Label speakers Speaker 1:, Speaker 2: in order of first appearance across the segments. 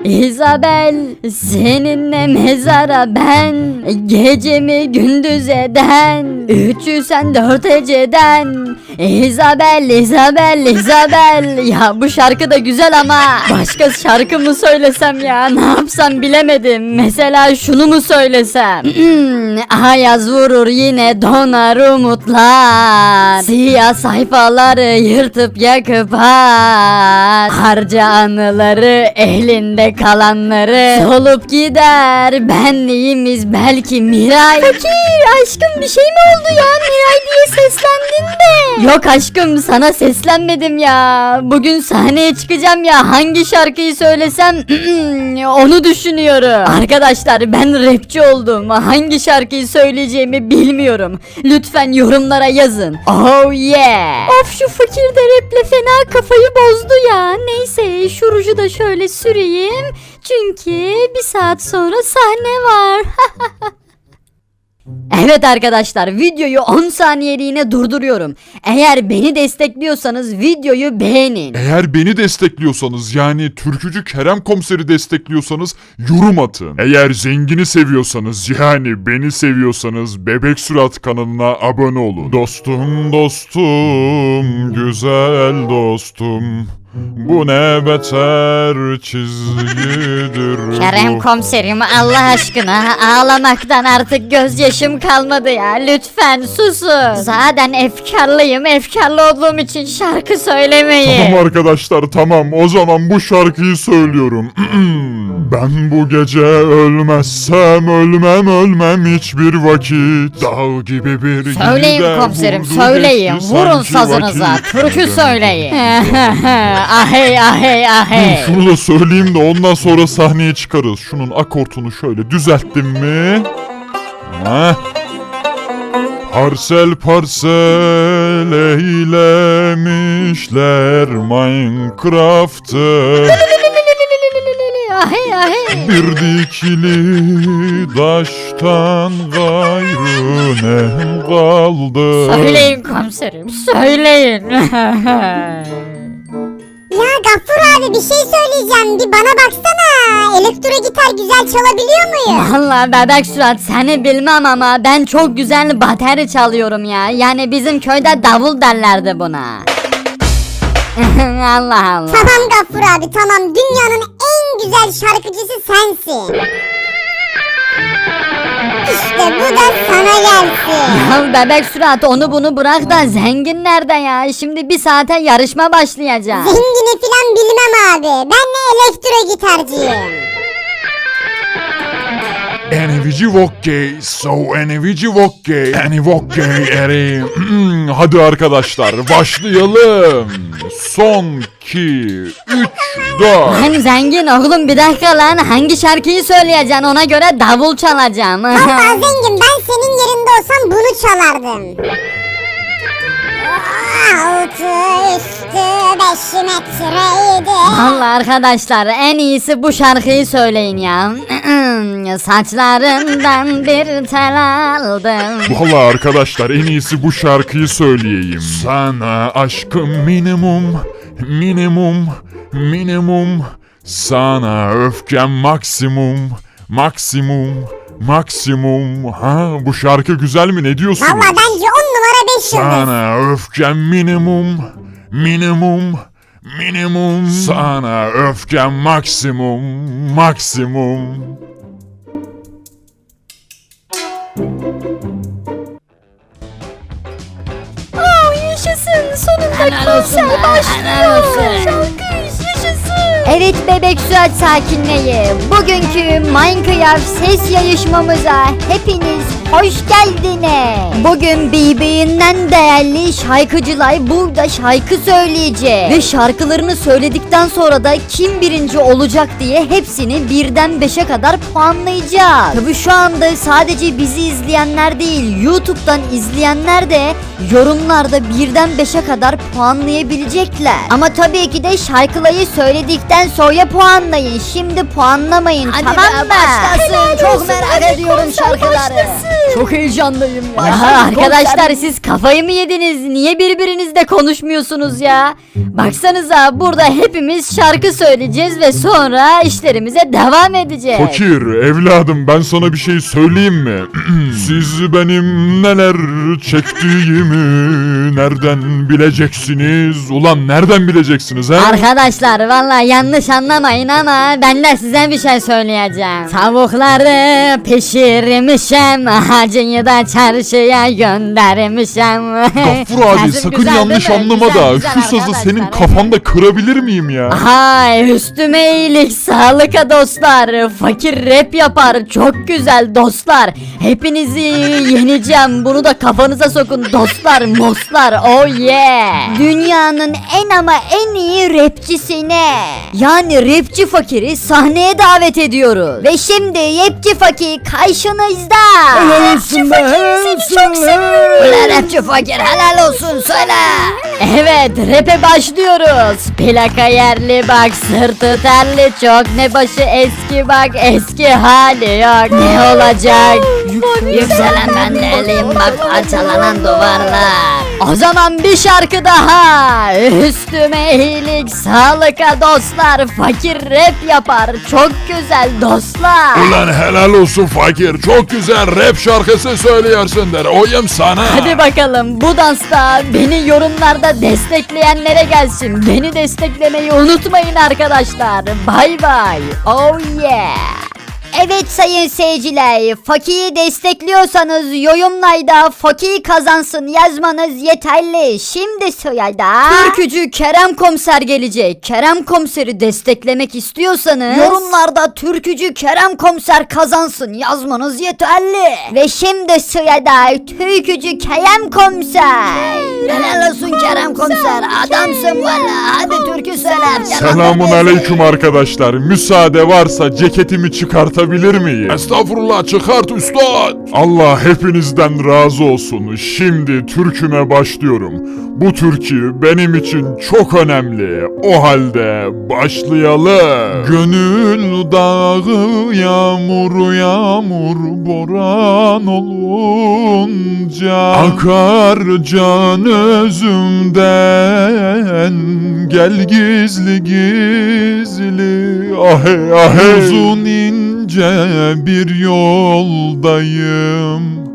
Speaker 1: Isabel, seninle mezara ben, gecemi gündüz eden, 304 heceden. Isabel, Isabel, Isabel. Ya bu şarkı da güzel ama başka şarkı mı söylesem ya, ne yapsam bilemedim. Mesela şunu mu söylesem? Ayaz vurur yine donar umutlar, siyah sayfaları yırtıp yakıp at, harca anıları elinde kalanları solup gider benliğimiz belki Miray. Fakir aşkım, bir şey mi oldu ya, Miray diye seslendin de? Yok aşkım, sana seslenmedim ya. Bugün sahneye çıkacağım ya, hangi şarkıyı söylesem onu düşünüyorum. Arkadaşlar ben rapçi oldum, hangi şarkıyı söyleyeceğimi bilmiyorum. Lütfen yorumlara yazın. Oh yeah. Of, şu fakir de raple fena kafayı bozdu ya. Neyse şu ruju da şöyle süreyim. Çünkü bir saat sonra sahne var. Evet arkadaşlar, videoyu 10 saniyeliğine durduruyorum. Eğer beni destekliyorsanız videoyu beğenin.
Speaker 2: Eğer beni destekliyorsanız, yani Türkücü Kerem Komiser'i destekliyorsanız yorum atın. Eğer zengini seviyorsanız, yani beni seviyorsanız Bebek Sürat kanalına abone olun. Dostum dostum, güzel dostum, bu ne beter çizgidir.
Speaker 1: Kerem komiserim, Allah aşkına ağlamaktan artık gözyaşım kalmadı ya. Lütfen susun. Zaten efkarlıyım. Efkarlı olduğum için şarkı söylemeyin.
Speaker 2: Tamam arkadaşlar, tamam, o zaman bu şarkıyı söylüyorum. Ben bu gece ölmezsem ölmem hiçbir vakit. Dağ gibi bir
Speaker 1: Söyleyin
Speaker 2: gider
Speaker 1: komiserim,
Speaker 2: vurdu
Speaker 1: söyleyin.
Speaker 2: geçti
Speaker 1: Vurun
Speaker 2: sanki
Speaker 1: sazınıza.
Speaker 2: vakit.
Speaker 1: Türkü söyleyin. Ahey ahey ahey.
Speaker 2: Şunu da söyleyeyim de ondan sonra sahneye çıkarız. Şunun akortunu şöyle düzelttim mi? Heh. Parsel parsel eylemişler Minecraft'ı.
Speaker 1: Ahey ahey.
Speaker 2: Bir dikili taştan gayrı ne kaldı?
Speaker 1: Söyleyin komiserim, söyleyin.
Speaker 3: Ya Gaffur abi, bir şey söyleyeceğim, bir bana baksana. Elektro gitar güzel çalabiliyor muyum?
Speaker 1: Vallahi Bebek Sürat, seni bilmem ama ben çok güzel bateri çalıyorum ya. Yani bizim köyde davul derlerdi buna. Allah Allah.
Speaker 3: Tamam Gaffur abi, tamam, dünyanın en güzel şarkıcısı sensin. İşte bu da sana gelsin.
Speaker 1: Ya Bebek Sürat, onu bunu bırak da zengin nerede ya? Şimdi bir saate yarışma başlayacak.
Speaker 3: Zengini filan bilmem abi, ben de elektro gitarcıyım.
Speaker 2: Enivici Vokkey, so Enivici Vokkey, Eni Vokkey eri. Hadi arkadaşlar başlayalım. Son 2, 3, 4.
Speaker 1: Lan zengin oğlum, bir dakika lan, hangi şarkıyı söyleyeceksin, ona göre davul çalacağım.
Speaker 3: Vallahi zengin, ben senin yerinde olsam bunu çalardım. Altı üstü 5 metreydi.
Speaker 1: Vallahi arkadaşlar, en iyisi bu şarkıyı söyleyin ya. Saçlarından bir tel aldım.
Speaker 2: Vallahi arkadaşlar, en iyisi bu şarkıyı söyleyeyim. Sana aşkım minimum, minimum, minimum. Sana öfkem maksimum, maksimum, maksimum. Ha, bu şarkı güzel mi, ne diyorsunuz?
Speaker 3: Vallahi bence 10 numara 5 yıldız.
Speaker 2: Sana öfkem minimum, minimum, minimum. Sana öfkem maksimum, maksimum.
Speaker 1: Yaşasın, sonunda konser başlıyor. Şarkı yaşasın. Evet Bebek Sürat sakinleyi, bugünkü Minecraft ses yarışmamıza hepiniz hoş geldiniz. Bugün birbirinden değerli şarkıcılar burada şarkı söyleyecek. Ve şarkılarını söyledikten sonra da kim birinci olacak diye hepsini birden 5'e kadar puanlayacağız. Tabi şu anda sadece bizi izleyenler değil, YouTube'dan izleyenler de yorumlarda 1'den 5'e kadar puanlayabilecekler. Ama tabii ki de şarkılayı söyledikten sonra puanlayın. Şimdi puanlamayın, tamam mı?
Speaker 4: Başlasın. Çok merak ediyorum şarkıları.
Speaker 1: Çok heyecanlıyım ya.
Speaker 4: Başlasın,
Speaker 1: Arkadaşlar
Speaker 4: konser.
Speaker 1: siz kafayı mı yediniz? Niye birbirinizle konuşmuyorsunuz ya? Baksanıza burada hepimiz şarkı söyleyeceğiz ve sonra işlerimize devam edeceğiz.
Speaker 2: Fakir evladım ben sana bir şey söyleyeyim mi? Siz benim neler çektiğimi nereden bileceksiniz? Ulan nereden bileceksiniz he?
Speaker 1: Arkadaşlar vallahi yanlış anlamayın ama ben de size bir şey söyleyeceğim. Tavukları pişirmişim, hacıyı da çarşıya göndermişim.
Speaker 2: Gaffur abi
Speaker 1: Sesim
Speaker 2: sakın
Speaker 1: güzel
Speaker 2: yanlış
Speaker 1: değil mi?
Speaker 2: anlama
Speaker 1: Güzel,
Speaker 2: da
Speaker 1: güzel
Speaker 2: şu sazı
Speaker 1: arkadaşlar,
Speaker 2: senin
Speaker 1: evet.
Speaker 2: kafanda kırabilir miyim ya?
Speaker 1: Ay üstüme iyilik sağlık dostlar. Fakir rap yapar çok güzel dostlar. Hepinizi yeneceğim, bunu da kafanıza sokun dostlar moslar, oh yeah. Dünyanın en ama en iyi rapçisine, yani rapçi Fakir'i sahneye davet ediyoruz. Ve şimdi rapçi Fakir karşınızda.
Speaker 4: Helalsin be, helalsin.
Speaker 1: Ulan rapçi Fakir helal olsun söyle. Evet rap'e başlıyoruz. Plaka yerli bak, sırtı terli çok, ne başı eski bak, eski hali yok. Ne olacak? Yükselen ben deliyim bak, parçalanan duvarlar. O zaman bir şarkı daha. Üstüme iyilik sağlık dostlar. Fakir rap yapar çok güzel dostlar.
Speaker 2: Ulan helal olsun fakir çok güzel rap şarkısı söylüyorsun der oyum sana.
Speaker 1: Hadi bakalım bu dansta beni yorumlarda destekleyenlere gelsin. Beni desteklemeyi unutmayın arkadaşlar. Bay bay. Oh yeah. Evet sayın seyirciler, Fakir'i destekliyorsanız yorumlarda Fakir kazansın yazmanız yeterli. Şimdi sırada Türkücü Kerem Komiser gelecek. Kerem Komiser'i desteklemek istiyorsanız yorumlarda Türkücü Kerem Komiser kazansın yazmanız yeterli. Ve şimdi sırada Türkücü Kerem Komiser.
Speaker 4: Helal olsun Kerem Komiser. Adamsın valla. Hadi türkü söyle.
Speaker 2: Selamun aleyküm arkadaşlar. Müsaade varsa ceketimi çıkartabilir miyim? Estağfurullah çıkart üstad. Allah hepinizden razı olsun. Şimdi türküme başlıyorum. Bu türkü benim için çok önemli. O halde başlayalım. Gönül dağı yağmur yağmur boran olunca akar can özümden gel gizli gizli ahe ahe uzun ince bir yoldayım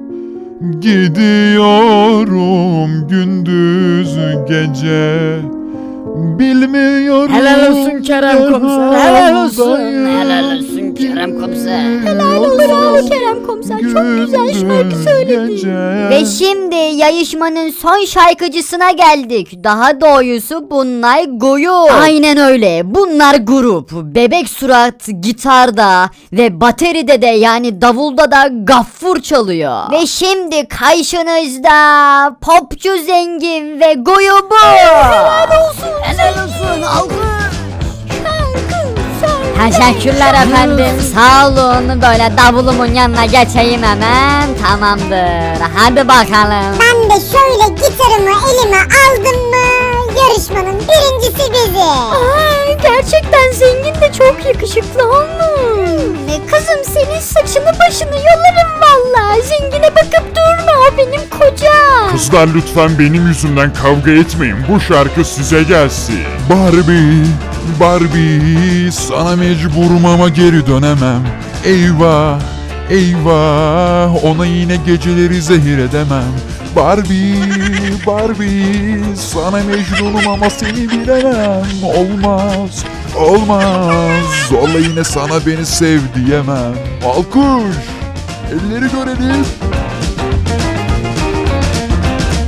Speaker 2: gidiyorum gündüz gece bilmiyorum
Speaker 4: Helal olsun Kerem Komiser. Helal olsun.
Speaker 2: yoldayım.
Speaker 4: Helal olsun Kerem Komiser.
Speaker 1: Helal olsun Kerem Komiser, çok güzel şarkı söyledi. Ve şimdi yarışmanın son şarkıcısına geldik. Daha doğrusu bunlar grup. Aynen öyle. Bunlar grup. Bebek Surat gitarda ve bateride de yani davulda da Gaffur çalıyor. Ve şimdi karşınızda popçu zengin ve grubu. Helal olsun.
Speaker 4: Helal olsun. Alkış.
Speaker 1: Teşekkürler efendim. Sağ olun. Böyle davulumun yanına geçeyim hemen. Tamamdır. Hadi bakalım.
Speaker 3: Ben de şöyle gitarımı elime aldım mı yarışmanın birincisi bizi.
Speaker 1: Gerçekten zengin de çok yakışıklı olmuş. Kızım senin saçını başını yolarım valla. Zengine bakıp durma, o benim kocam.
Speaker 2: Kızlar lütfen benim yüzümden kavga etmeyin. Bu şarkı size gelsin. Barbie, Barbie, sana mecburum ama geri dönemem. Eyvah, eyvah, ona yine geceleri zehir edemem. Barbie, Barbie, sana mecnunum ama seni bilemem. Olmaz, olmaz, zorla yine sana beni sev diyemem. Alkış, elleri görelim.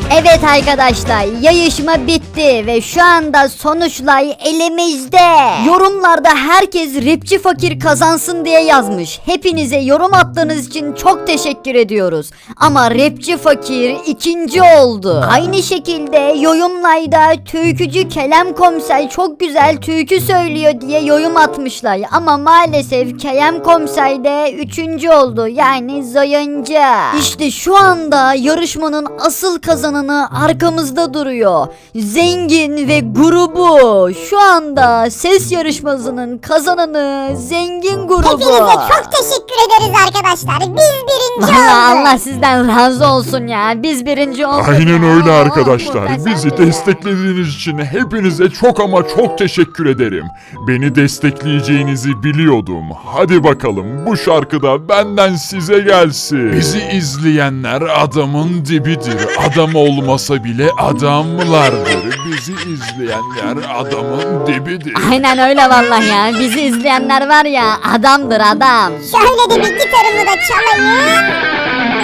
Speaker 1: Evet arkadaşlar, yarışma bitti ve şu anda sonuçlar elimizde. Yorumlarda herkes rapçi fakir kazansın diye yazmış. Hepinize yorum attığınız için çok teşekkür ediyoruz. Ama rapçi fakir ikinci oldu. Aynı şekilde yorumlarda türkücü Kerem Komiser çok güzel türkü söylüyor diye yorum atmışlar. Ama maalesef Kerem Komiser de üçüncü oldu. Yani zayıncı. İşte şu anda yarışmanın asıl kazananı arkamızda duruyor. Zengin ve grubu. Şu anda ses yarışmasının kazananı Zengin grubu.
Speaker 3: Hepinize çok teşekkür ederiz arkadaşlar. Biz birinci olduk.
Speaker 1: Allah sizden razı olsun ya. Biz birinci olduk.
Speaker 2: Aynen
Speaker 1: ya.
Speaker 2: öyle
Speaker 1: Oh,
Speaker 2: arkadaşlar.
Speaker 1: muhteşem
Speaker 2: Bizi
Speaker 1: ya.
Speaker 2: desteklediğiniz için hepinize çok ama çok teşekkür ederim. Beni destekleyeceğinizi biliyordum. Hadi bakalım bu şarkıda benden size gelsin. Bizi izleyenler adamın dibidir. Adam olmasa bile adamlardır. Bizi izleyenler adamın dibidir.
Speaker 1: Aynen öyle vallahi ya. Bizi izleyenler var ya adamdır adam.
Speaker 3: Şöyle de bir gitarımı da çalayım.